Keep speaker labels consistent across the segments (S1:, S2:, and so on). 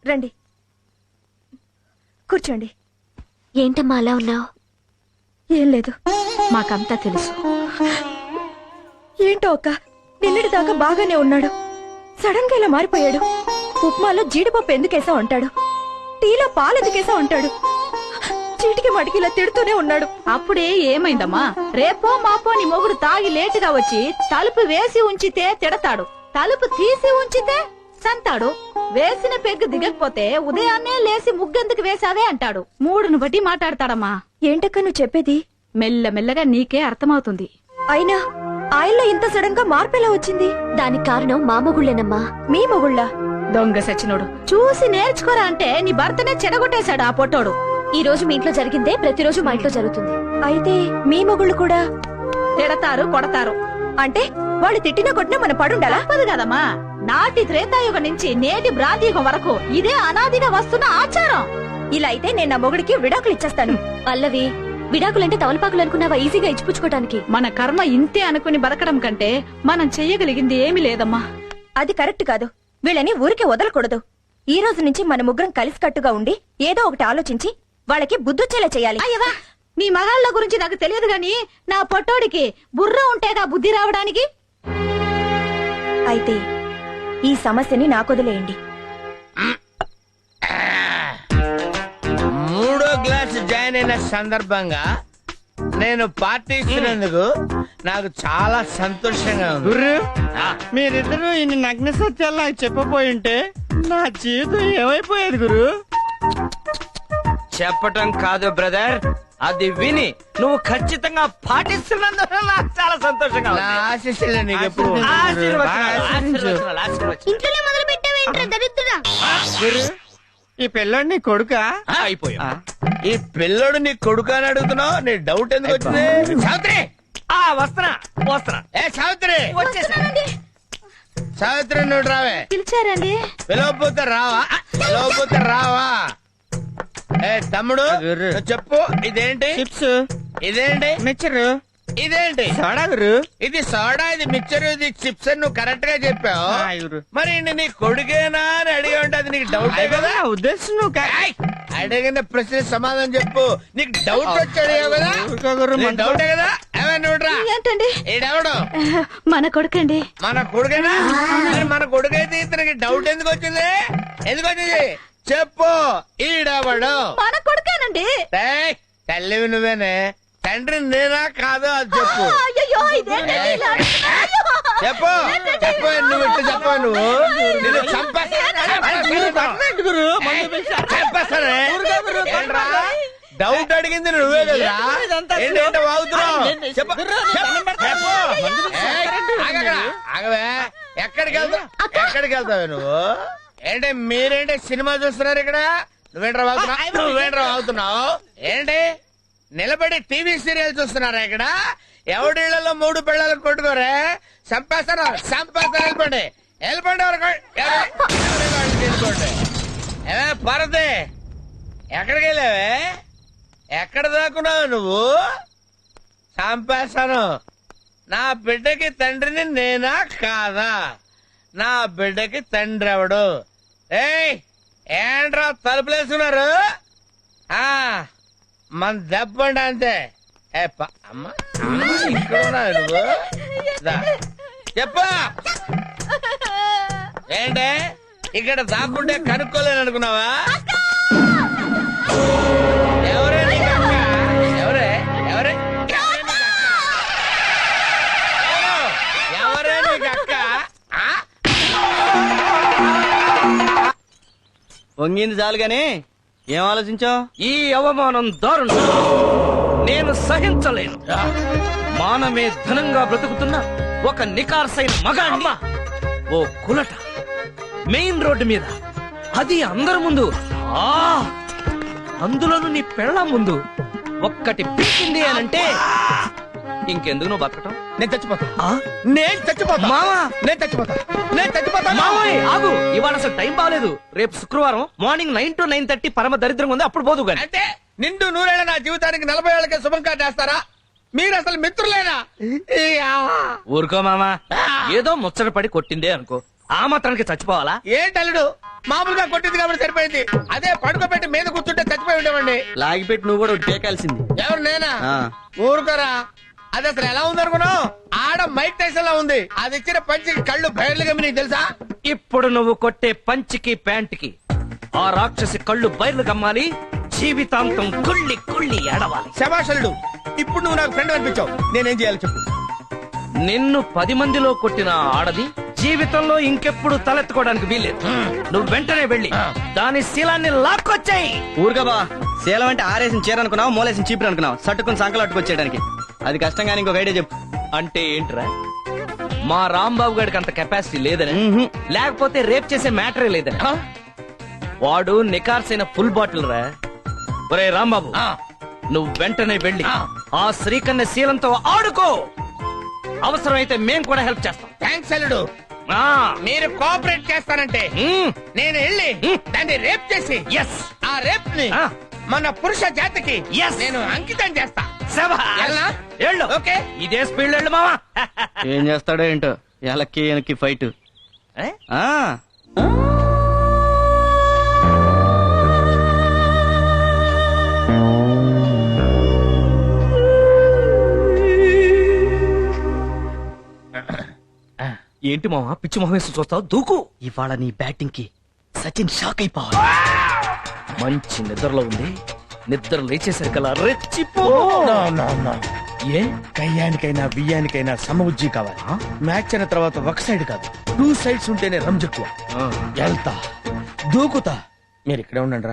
S1: రండి, కూర్చోండి.
S2: ఏంటమ్మా అలా ఉన్నావు?
S1: ఏం లేదు,
S2: మాకంతా తెలుసు.
S1: ఏంటో అక్క, నిన్నటి దాకా బాగానే ఉన్నాడు, సడన్ గా ఇలా మారిపోయాడు. ఉప్మాలో జీడిపప్పు ఎందుకేసా ఉంటాడు, టీలో పాలెందుకేసా ఉంటాడు, చీటికి మడికి ఇలా తిడుతూనే ఉన్నాడు.
S3: అప్పుడే ఏమైందమ్మా? రేపో మాపో నీ మొగుడు తాగి లేటుగా వచ్చి తలుపు వేసి ఉంచితే తిడతాడు, తలుపు తీసి ఉంచితే సంతాడు. వేసిన పెగ్గు దిగకపోతే ఉదయాన్నే లేసి ముగ్గెందుకు వేసావే అంటాడు. మూడును బట్టి మాట్లాడతాడమ్మా.
S1: ఏంటక్క నువ్వు చెప్పేది?
S3: మెల్లమెల్లగా నీకే అర్థమవుతుంది.
S1: అయినా ఆయనలో ఇంత సడన్ గా మార్పు ఎలా వచ్చింది?
S2: దానికి కారణం మా మొగుళ్ళేనమ్మా.
S1: మీ మొగుళ్ళ?
S3: దొంగ సచ్చినోడు, చూసి నేర్చుకోరా అంటే నీ భర్తనే చెడగొట్టేశాడు ఆ పొట్టోడు.
S2: ఈ రోజు మీ ఇంట్లో జరిగిందే ప్రతిరోజు మా ఇంట్లో జరుగుతుంది.
S1: అయితే మీ మొగుళ్ళు కూడా
S3: తిడతారు, కొడతారు.
S1: అంటే వాళ్ళు తిట్టినా కొట్టినా మన పడుండాలా?
S3: తప్పదు కదమ్మా. నాటి త్రేతాయుగం నుంచి నేటి బ్రాంతియుగం వరకు ఇదే అనాదిగా వస్తున్న ఆచారం.
S1: ఇలా అయితే నేను నా మొగుడికి విడాకులు ఇచ్చేస్తాను.
S2: పల్లవి, విడాకులంటే తవలపాకులు అనుకున్నావా ఈజీగా ఇచ్చిపుచ్చుకోవడానికి?
S3: మన కర్మ ఇంతే అనుకుని బతకడం కంటే మనం చెయ్యగలిగింది ఏమీ లేదమ్మా.
S1: అది కరెక్ట్ కాదు. వీళ్ళని ఊరికే వదలకూడదు. ఈ రోజు నుంచి మన ముగ్గురం కలిసికట్టుగా ఉండి ఏదో ఒకటి ఆలోచించి వాళ్ళకి బుద్ధొచ్చేలా చేయాలి.
S3: అయ్యవా, నీ మగాళ్ళ గురించి నాకు తెలియదు గాని నా పొట్టోడికి బుర్ర ఉంటేగా బుద్ధి రావడానికి.
S1: అయితే ఈ సమస్యని నాకొదిలేయండి.
S4: మూడో క్లాస్ జాయిన్ అయిన సందర్భంగా నేను పార్టీ ఇస్తున్నందుకు నాకు చాలా సంతోషంగా ఉంది.
S5: గుర్రు, మీరిద్దరూ ఇన్ని నగ్న సత్యాలు నాకు చెప్పబోయి ఉంటే నా జీవితం ఏమైపోయేది గురు?
S4: చెప్పటం కాదు బ్రదర్, అది విని నువ్వు ఖచ్చితంగా పాటిస్తున్నందుకు నాకు చాలా సంతోషంగా ఉంది. ఆశీస్సులు నీకు ఎప్పుడు.
S2: ఇంట్లోనే మొదలు పెట్టావేంట్రా దరిద్రుడా?
S5: గురు, ఈ పిల్లోడు నీ కొడుకా?
S4: అయిపోయా. ఈ పిల్లడు నీ కొడుకు అని అడుగుతున్నావు, నీ డౌట్ ఎందుకు వచ్చింది? సావిత్రి, వస్తున్నా వస్తున్నా. ఏ సావిత్రి, సావిత్రి నువ్వు రావే.
S3: పిలిచారండి?
S4: పిలవపోతే రావా? పిలవపోతే రావా? ఏ తమ్ముడు నువ్వు చెప్పు, ఇదేంటి?
S5: చిప్స్.
S4: ఇదేంటి?
S5: మిక్చరు.
S4: ఇదేంటి?
S5: సోడా గురు.
S4: ఇది సోడా, ఇది మిక్చర్, ఇది చిప్స్ అని నువ్వు కరెక్ట్ గా చెప్పావు.
S5: గురు,
S4: మరి నీ కొడుకేనా అని అడిగి ఉంటే అది నీకు డౌట్ కదా?
S5: ఉద్దేశం నువ్వు
S4: ఏయ్, అడిగిన ప్రశ్న సమాధానం చెప్పు. నీకు డౌట్ వచ్చి అడిగావు కదా? డౌటే కదా? ఏమన్నా
S3: ఏంటండి?
S4: ఈడెవడు?
S3: మన కొడుకండి.
S4: మన కొడుకేనా? మరి మన కొడుకైతే ఇతనికి డౌట్ ఎందుకు వచ్చింది? ఎందుకు వచ్చింది చెప్పు. ఈడెవడు?
S3: మన కొడుకేనండి.
S4: ఏయ్, తల్లివి నువ్వేనే, తండ్రి నేనా కాదు అది చెప్పు.
S3: అయ్యో, ఇదేంటండి ఇలా అడుగుతున్నారు?
S4: చెప్పు చెప్పు, నువ్వు ఇట్లా చెప్పు. నువ్వు నిన్ను చంపేస్తానే. ఏంట్రా డౌట్ అడిగింది నువ్వే కదా? ఏంటంటే వాగుతున్నావు? చెప్పు చెప్పు. ఆగవే, ఎక్కడికి వెళ్తావు? ఎక్కడికి వెళ్తావే నువ్వు? ఏంటి మీరేంటి సినిమా చూస్తున్నారు ఇక్కడ? నువ్వేంట్రా వాగుతున్నావు? నువ్వేంట్రా వాగుతున్నావు? ఏంటి నిలబడి టీవీ సీరియల్ చూస్తున్నారా ఇక్కడ? ఎవడిళ్లలో 3 పిల్లలు కొట్టుకోరే, చంపేస్తాను చంపేస్తాను. వెళ్ళిపోండి వెళ్ళిపోండి. తీసుకోండి. ఏమే పరదే, ఎక్కడికి వెళ్ళావే? ఎక్కడ దాక్కున్నావు నువ్వు? చంపేస్తాను. నా బిడ్డకి తండ్రిని నేనా కాదా? నా బిడ్డకి తండ్రి ఎవడు? ఏయ్ ఏంట్రా తలుపులేసుకున్నారు? మన దెబ్బండి అంతే. అమ్మ ఇక్కడ ఉన్నావు నువ్వు? చెప్పు. ఏంటే ఇక్కడ దాక్కుంటే కనుక్కోలేను అనుకున్నావా? ఎవరే నీకు అక్క? ఎవరే ఎవరే ఎవరే నీకు అక్క?
S5: వంగింది చాలు గాని ఏం ఆలోచించావు?
S6: ఈ అవమానం దారుణం, నేను సహించలేను. మానమే ధనంగా బ్రతుకుతున్న ఒక నికార్సైన మగాణ్ణి ఓ కులట మెయిన్ రోడ్డు మీద, అది అందరి ముందు, అందులోనూ నీ పెళ్ళాం ముందు ఒక్కటి పీకింది అనంటే ఇంకెందుకు నువ్వు బతకటం?
S4: నేను చచ్చిపోతా. నేను చచ్చిపోతా
S6: మావా,
S4: నేను చచ్చిపోతా. నేను చచ్చిపోతా.
S6: మావయ్య ఆగు, ఇవాళ అసలు టైం బాగలేదు. రేపు శుక్రవారం మార్నింగ్ 9 to 9:30 పరమ దరిద్రంగా ఉంది, అప్పుడు పోదు గాని.
S4: అంటే నిండు 100 ఏళ్ల నా జీవితానికి 40 ఏళ్ళకే శుభం కాటేస్తారా? మీరు అసలు మిత్రులేనా?
S6: ఊరుకో మామా, ఏదో ముచ్చట పడి కొట్టిందే అనుకో, ఆ మాత్రానికి చచ్చిపోవాలా?
S4: ఏంటల్లుడు మామూలుగా కొట్టింది కాబట్టి సరిపోయింది. అదే పడుకోబెట్టి మీద కూర్చుంటే చచ్చిపోయి ఉండేవండి.
S5: లాగిపెట్టి నువ్వు కూడా టేకాల్సింది.
S4: ఎవరు నేనా? ఊరుకోరా. అది అసలు ఎలా ఉందనుకున్నావు? ఆడ మైక్ టైసన్ లా ఉంది. అది ఇచ్చిన పంచికి కళ్ళు బయర్లు గమ్మి తెలుసా?
S6: ఇప్పుడు నువ్వు కొట్టే పంచికి ప్యాంట్కి ఆ రాక్షసి కళ్ళు బయర్లు గమ్మాలి, జీవితాంతం కుళ్ళి కుళ్ళి ఏడవాలి.
S4: శభాషలుడు, ఇప్పుడు నువ్వు నాకు ఫ్రెండ్ అనిపించావు. నేనేం చేయాలి చెప్పు?
S6: నిన్ను 10 మందిలో కొట్టిన ఆడది జీవితంలో ఇంకెప్పుడు తలెత్తుకోవడానికి వీల్లేదు. నువ్వు వెంటనే వెళ్ళి దాని శీలాన్ని లాక్కొచ్చాయి.
S5: ఊరుగా బా, శీలం అంటే ఆరేసిన చీర అనుకున్నావు, మూలేసిన చీపురు అనుకున్నావు, సట్టుకుని సంకలు అట్టుకొచ్చేయడానికి. అది కష్టంగానే ఇంకొక ఐడియా చెప్పు.
S6: అంటే ఏంట్రా? మా రాంబాబు గారికి అంత కెపాసిటీ లేదని, లేకపోతే రేప్ చేసే మ్యాటరే లేదని? వాడు నికార్సైన ఫుల్ బాటిల్ రా. ఒరే రాంబాబు, నువ్వు వెంటనే వెళ్ళి ఆ శ్రీకన్య శీలంతో ఆడుకో. అవసరమైతే మేం కూడా హెల్ప్ చేస్తాం.
S4: థ్యాంక్స్ అల్లుడు. మీరు కోఆపరేట్ చేస్తానంటే నేను వెళ్ళి దాన్ని రేప్ చేసి ఆ రేప్ ని మన పురుష జాతికి నేను అంకితం చేస్తా.
S6: ఓకే, ఇదే స్పీడ్ వెళ్ళు మావా.
S5: ఏం చేస్తాడో ఏంటో, ఎలక్కి వెనక్కి ఫైట్.
S6: ఏంటి మావా పిచ్చి మొహం వేసి చూస్తావు? దూకు.
S5: ఇవాళ నీ బ్యాటింగ్ కి సచిన్ షాక్ అయిపోవాలి.
S6: మంచి నిద్రలో ఉంది, నిద్ర లేచేసరికల్లా రెచ్చిపో.
S4: ఏ కయ్యానికైనా బియ్యానికైనా సమబుజ్జి కావాలి. మ్యాచ్ అయిన తర్వాత ఒక సైడ్ కాదు, 2 సైడ్స్ ఉంటేనే రంజక్కువ. వెళ్తా, దూకుతా. మీరు ఇక్కడే ఉండండి రా.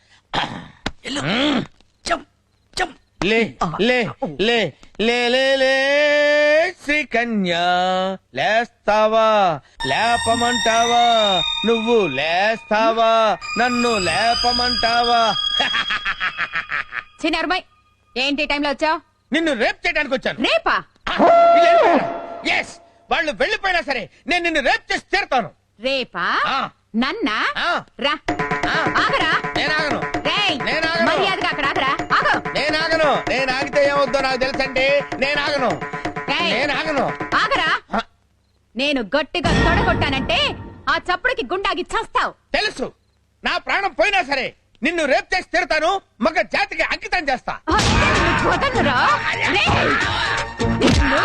S4: లే లే లే లే లే లే శ్రీకన్యా, లేస్తావా లేపమంటావా? నువ్వు లేస్తావా నన్ను లేపమంటావా?
S1: చిన్నరుమై, ఏంటి టైంలో వచ్చావు?
S4: నిన్ను రేప్ చేయడానికి వచ్చాను.
S1: రేపా?
S4: ఎస్, వాళ్ళు వెళ్ళిపోయినా సరే నేను నిన్ను రేప్ చేసి తీరుతాను.
S1: రేపా? నన్నా?
S4: ఆ.
S1: రా, ఆగరా.
S4: నేనాగను.
S1: రేయ్,
S4: నేనాగను.
S1: మర్యాదగా అక్కడ ఆగరా. ఆగు.
S4: నేనాగను. నేను ఆగితే ఏమవుద్దో నాకు తెలుసండి. నేనాగను.
S1: రేయ్,
S4: నేనాగను.
S1: ఆగరా. నేను గట్టిగా తొడగొట్టానంటే ఆ చప్పుడుకి గుండాగి చస్తావు.
S4: తెలుసు, నా ప్రాణం పోయినా సరే నిన్ను రేప్ చేసి తీరుతాను. మగ జాతికి అంకితం చేస్తా.
S1: వదలరా. రేయ్, నిన్ను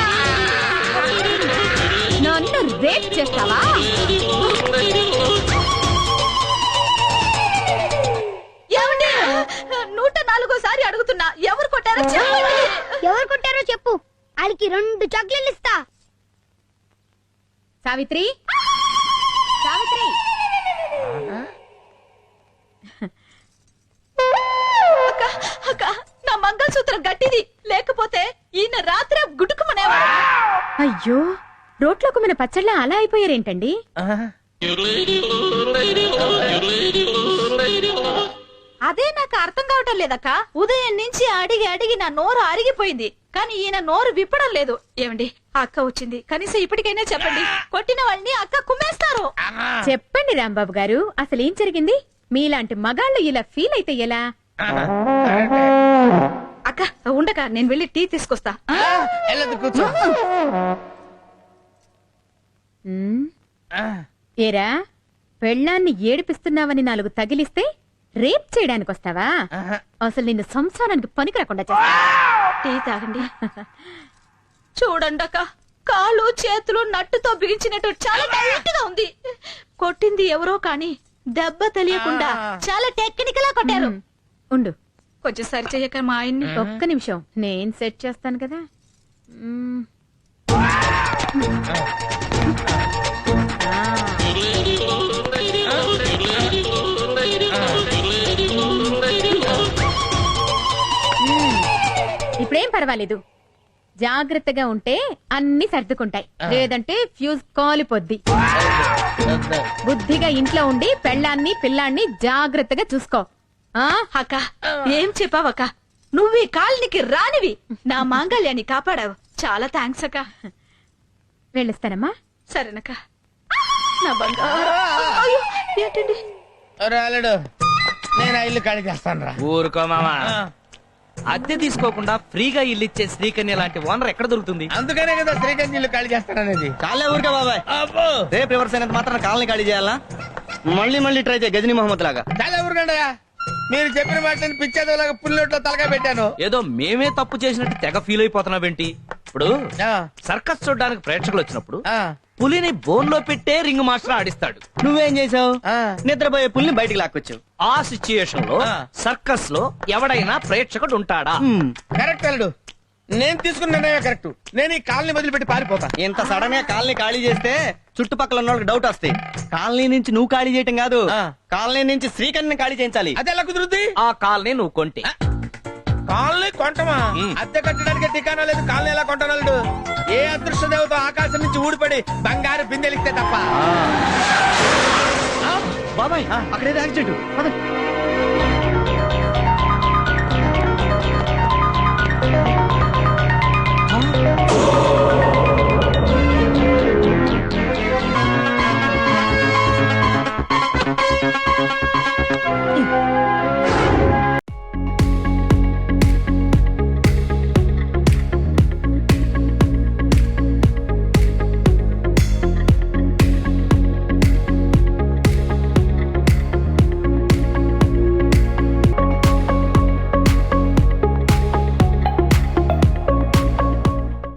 S1: నన్ను రేప్ చేస్తావా?
S3: ఏమండి, 104సారి అడుగుతున్నా, ఎవరు కొట్టారో చెప్పండి.
S7: ఎవరు కొట్టారో చెప్పు, వాళ్ళకి 2 చాక్లెట్లు ఇస్తా.
S1: సావిత్రి, సావిత్రి.
S3: అక్క, అక్క, నా మంగళసూత్రం గట్టిది, లేకపోతే ఈయన రాత్రి గుడుకుమనేవాడు.
S1: అయ్యో, రోట్లోకి మన పచ్చళ్ళ అలా అయిపోయారేంటండి?
S3: అదే నాకు అర్థం కావటం లేదక్క. ఉదయం నుంచి అడిగి అడిగి నా నోరు అరిగిపోయింది, కానీ ఈయన నోరు విప్పడం లేదు. ఏమండి, అక్క వచ్చింది, కనీసం ఇప్పటికైనా చెప్పండి. కొట్టిన వాళ్ళని అక్క కుమ్మేస్తారు.
S1: చెప్పండి రాంబాబు గారు, అసలు ఏం జరిగింది? మీలాంటి మగాళ్ళు ఇలా ఫీల్ అయితే ఎలా?
S3: అక్క ఉండక, నేను వెళ్ళి టీ తీసుకొస్తా.
S4: వెళ్ళదు, కూర్చో.
S1: ఏరా, పెళ్ళాన్ని ఏడిపిస్తున్నావని 4 తగిలిస్తే రేప్ చేయడానికి వస్తావా? అసలు నిన్ను సంసారానికి పనికి రాకుండా చేస్తా.
S3: టీ తాగండి. చూడండి అక్క, కాళ్ళు చేతులు నట్టుతో బిగించినట్టు చాలా టైట్ గా ఉంది. కొట్టింది ఎవరో కానీ దెబ్బ తెలియకుండా చాలా టెక్నికల్ గా కొట్టారు.
S1: ఉండు,
S3: కొంచెం సరి చెయ్యక మా ఆయన్ని.
S1: ఒక్క నిమిషం, నేను సెట్ చేస్తాను కదా. ఇప్పుడేం పర్వాలేదు, జాగ్రత్తగా ఉంటే అన్ని సర్దుకుంటాయి, లేదంటే ఫ్యూజ్ కాలిపోద్ది. బుద్ధిగా ఇంట్లో ఉండి పెళ్ళాన్ని పిల్లాన్ని జాగ్రత్తగా చూసుకో.
S3: అక్క, ఏం చెప్పావక్క? నువ్వు ఈ కాలనికి రానివి నా మాంగళ్యాన్ని కాపాడావు. చాలా థ్యాంక్స్ అక్క.
S1: వెళ్ళిస్తానమ్మా.
S3: సరేనక్క. నా బంగారు. అయ్యో, ఏంటండి?
S4: రాలేడు, నేను ఆ ఇల్లు ఖాళీ చేస్తాను రా.
S6: ఊరుకో మామా, అద్దె తీసుకోకుండా ఫ్రీగా ఇల్లు ఇచ్చే శ్రీకన్య లాంటి ఓనర్ ఎక్కడ దొరుకుతుంది?
S4: అందుకనే కదా శ్రీకాంత్ ఇల్లు ఖాళీ చేస్తాననేది.
S5: చాలే ఊరికే బాబాయ్,
S4: అబ్బో
S5: రేపు రివర్స్ అయినంత మాత్రం కాలనీ ఖాళీ చేయాలా? మళ్ళీ ట్రై చేయ గజనీ మహమ్మద్ లాగా.
S4: చాలా ఊరుకండయా, మీరు చెప్పిన మాటలను పిచ్చేదోలాగా పుల్లొట్లో తలగా పెట్టాను.
S6: ఏదో మేమే తప్పు చేసినట్టు తెగ ఫీల్ అయిపోతున్నావేంటి? ఇప్పుడు సర్కస్ చూడడానికి ప్రేక్షకులు వచ్చినప్పుడు పులిని బోన్ లో పెట్టే రింగ్ మాస్టర్ ఆడిస్తాడు.
S5: నువ్వేం చేసావు? నిద్రపోయే పుల్ని బయటికి లాక్కొచ్చావు.
S6: ఆ సిచ్యుయేషన్ లో సర్కస్ లో ఎవడైనా ప్రేక్షకుడు ఉంటాడా?
S4: కరెక్ట్ అల్లుడు, నేను తీసుకున్న నిర్ణయం కరెక్ట్. నేను ఈ కాలనీ వదిలిపెట్టి పారిపోతా.
S5: ఇంత సడన్ గా కాలనీ ఖాళీ చేస్తే చుట్టుపక్కల ఉన్న వాళ్ళకి డౌట్ వస్తాయి. కాలనీ నుంచి నువ్వు ఖాళీ చేయటం కాదు, కాలనీ నుంచి శ్రీకన్యని ఖాళీ చేయించాలి.
S4: అది ఎలా కుదురుద్ది?
S6: ఆ కాలనీ నువ్వు కొంటే
S4: కాలనీ కొంటమా? అద్దె కట్టడానికి ఠికానా లేదు, కాలనీ ఎలా కొంటాను అల్లుడు? ఏ అదృష్ట దేవత ఆకాశం నుంచి ఊడిపడి బంగారు బిందెలిస్తే తప్ప.
S5: బాబాయ్ అక్కడేదో యాక్సిడెంట్.